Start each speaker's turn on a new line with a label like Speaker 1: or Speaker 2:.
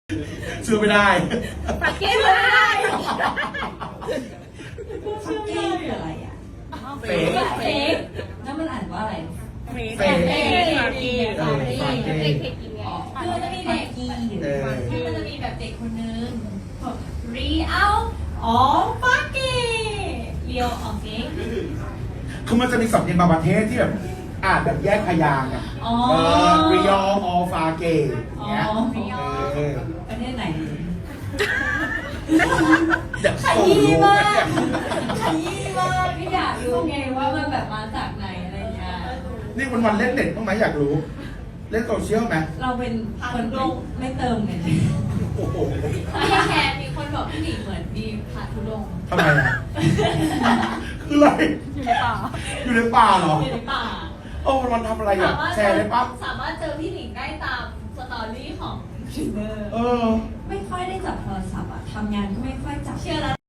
Speaker 1: ซื้อไม่ได้
Speaker 2: ปักเก็ตไม่ได้
Speaker 3: ฟักเก้คืออะไรอ่ะ
Speaker 1: เฟก
Speaker 3: เฟกแล้วมันอ่านว่าอะไร
Speaker 2: เฟก
Speaker 1: เฟก
Speaker 2: ปักเก็ต
Speaker 1: ปักเก็ต
Speaker 2: เด็กกินไง
Speaker 4: คือมันจะมีเด็ก
Speaker 3: กี้
Speaker 4: ที่มันจะมีแบบเด็กคนนึงบอกรีเอาอ๋อฟักกี้เรียวออกเก่ง
Speaker 1: คือมันจะมีสำเนียงบางประเทศที่แบบอ่านแบบแยกพยางค์อ่ะ
Speaker 4: อ๋อ
Speaker 1: ริยอออฟาเกอย่างเงี้ย
Speaker 4: อ๋อ
Speaker 3: ประเทศไหน
Speaker 1: เดี๋ยว
Speaker 4: ข
Speaker 1: ส่ง
Speaker 4: ยี้
Speaker 1: รูป
Speaker 4: มาก
Speaker 1: เนี่ย
Speaker 4: ขยี้มากไม่อยากรู้ไงว่ามันแบบมาจากไหนอะไรเงี้ย
Speaker 1: นี่วันๆเล่นเน็ตบ้างไหมอยากรู้ เล่นโซเชียลไหม
Speaker 3: เราเป็นคนไม่เติมเงิน
Speaker 1: โอ้โห
Speaker 4: พี่แคร์มีคนบอกพี่หนิงเหมือนมีพาทุดงค์
Speaker 1: ทำไมอ่ะคืออะไร
Speaker 2: อยู่ในป่า
Speaker 1: อยู่ในป่าเหรอ
Speaker 4: อยู่ในป่า
Speaker 1: โอ้วันๆทำอะไรอ่ะแชร์ได้ปั๊บ
Speaker 4: สามารถเจอพี่หนิงได้ตามสตอรี่ของทรินเนอร์
Speaker 1: เออ
Speaker 3: ไม่ค่อยได้จับโทรศัพท์อ่ะทำงานก็ไม่ค่อยจับ
Speaker 4: เชื่อแล้ว